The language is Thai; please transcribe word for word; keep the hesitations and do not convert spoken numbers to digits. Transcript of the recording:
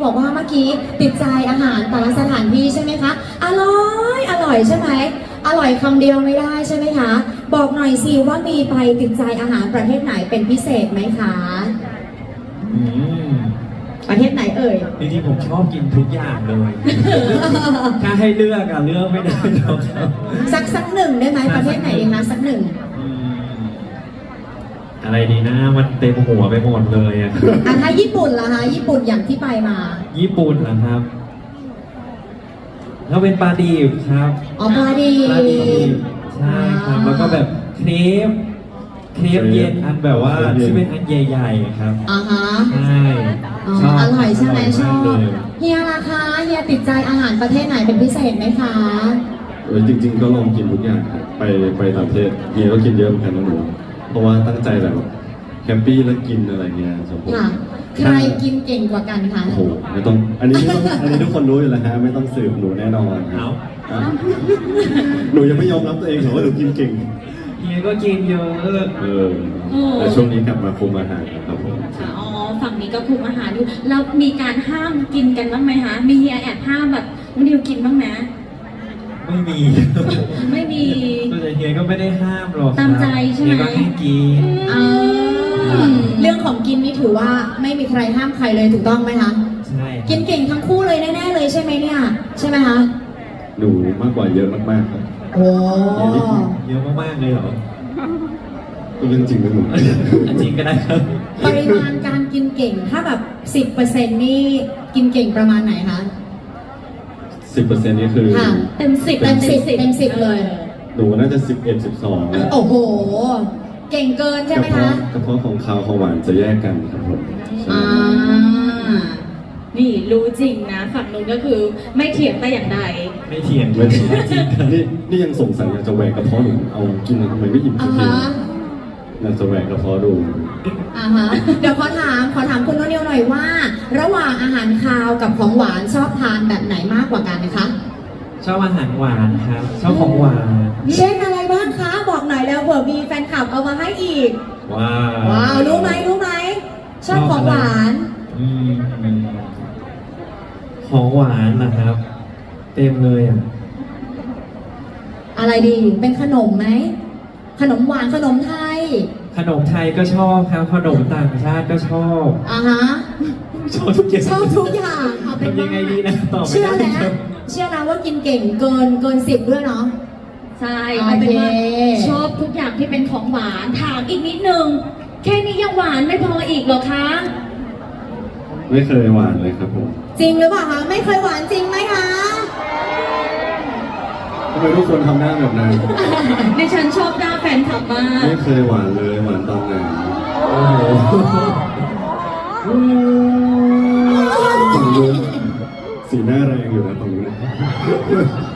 บอกว่าเมื่อกี้ติดใจอาหารแต่ละสถานที่ใช่ไหมคะอร่อยอร่อยใช่ไหมอร่อยคำเดียวไม่ได้ใช่ไหมคะบอกหน่อยสิว่ามีไปติดใจอาหารประเทศไหนเป็นพิเศษไหมคะอืมประเทศไหนเอ่ยจริงๆผมชอบกินทุกอย่างเลย ถ้าให้เลือกอะเลือกไม่ได้หรอกครับสักสักหนึ่งได้ไหมประเทศไหนดีคะสักหนึ่งอะไรดีนะมันเต็มหัวไปหมดเลยอะอ่ะถ้าญี่ปุ่นล่ะคะญี่ปุ่นอย่างที่ไปมาญี่ปุ่นเหรอครับก็เป็นปลาดิบครับอ๋อปลาดิบปลาดิบใช่ครับแล้วก็แบบเครปเครปเย็นอันแบบว่าที่เป็นอันใหญ่ๆครับอ่าฮะใช่ชอบอร่อยใช่ไหมชอบเฮียล่ะคะเฮียติดใจอาหารประเทศไหนเป็นพิเศษไหมคะเออจริงๆก็ลองกินทุกอย่างครับไปไปต่างประเทศเฮียก็กินเยอะเหมือนกันนะหนูเพราะว่าตั้งใจแบบแคมปี้แล้วกินอะไรเงี้ยสมมติใครกินเก่งกว่ากันคะโอ้โหไม่ต้องอันนี้ไม่ต้องอันนี้ทุกคนรู้อยู่แล้วฮะไม่ต้องสืบหนูแน่นอนเอาหนูยังไม่ยอมรับตัวเองหรอว่าหนูกินเก่งเฮียก็กินเยอะเออแต่ช่วงนี้กลับมาคุมอาหารครับผมอ๋อฝั่งนี้ก็คุมอาหารอยู่แล้วมีการห้ามกินกันบ้างไหมคะมีเฮียแอบห้ามแบบน้องดิวกินบ้างไหมไม่มีไม่มีแต่เฮียก็ไม่ได้ห้ามหรอกตามใจใช่ไหมเฮียก็ให้กินเรื่องของกินนี่ถือว่าไม่มีใครห้ามใครเลยถูกต้องไหมคะใช่กินเก่งทั้งคู่เลยแน่ๆเลยใช่ไหมเนี่ยใช่ไหมคะหนูมากกว่าเยอะมากๆครับโอ้เยอะมากๆเลยเหรอก็เรื่องจริงนะหนูจริงก็ได้ครับปริมาณการกินเก่งถ้าแบบสิบเปอร์เซ็นต์นี่กินเก่งประมาณไหนคะสิบเปอร์เซ็นต์นี่คือเต็มสิบเต็มสิบเต็มสิบเลยหนูน่าจะสิบเอ็ดสิบสองโอ้โหเก่งเกินใช่ไหมคะกระเพาะของคาวของหวานจะแยกกันครับผมอ่านี่รู้จริงนะฝั่งนู้นก็คือไม่เถียงแต่อย่างใดไม่เถียงไม่เถียงจริงนี่นี่ยังสงสัยอยากจะแหวกกระเพาะหนูเอากินทำไมไม่อิ่มสักทีอยากจะแหวกกระเพาะดูอ่าฮะเดี๋ยวขอถามขอถามคุณโนนิวหน่อยว่า ระหว่างอาหารคาวกับของหวานชอบทานแบบไหนมากกว่ากันนะคะชอบอาหารหวานครับชอบของหวานเช่นอะไรบ้างคะบอกหน่อยแล้วเผื่อมีแฟนคลับเอามาให้อีกว้าวว้าวรู้ไหมรู้ไหมชอบของหวานอืมของหวานนะครับ เต็มเลยอ่ะอะไรดีเป็นขนมไหมขนมหวานขนมไทยขนมไทยก็ชอบครับขนมต่างชาติก็ชอบอ่าฮะชอบทุกอย่างชอบทุกอย่างเอาเป็นยังไงดีนะตอบเชื่อแล้วเชื่อแล้วว่ากินเก่งเกินเกินสิบด้วยเนาะใช่เอาเป็นว่าชอบทุกอย่างที่เป็นของหวานถามอีกนิดนึงแค่นี้ยังหวานไม่พออีกเหรอคะไม่เคยหวานเลยครับผมจริงหรือเปล่าคะไม่เคยหวานจริงไหมคะทำไมทุกคนทำหน้าแบบนั้นดิฉันชอบหน้าแฟนคลับมากไม่เคยหวานเลยหวานตอนไหนโอ้โหสีหน้าแรงอยู่นะตรงนี้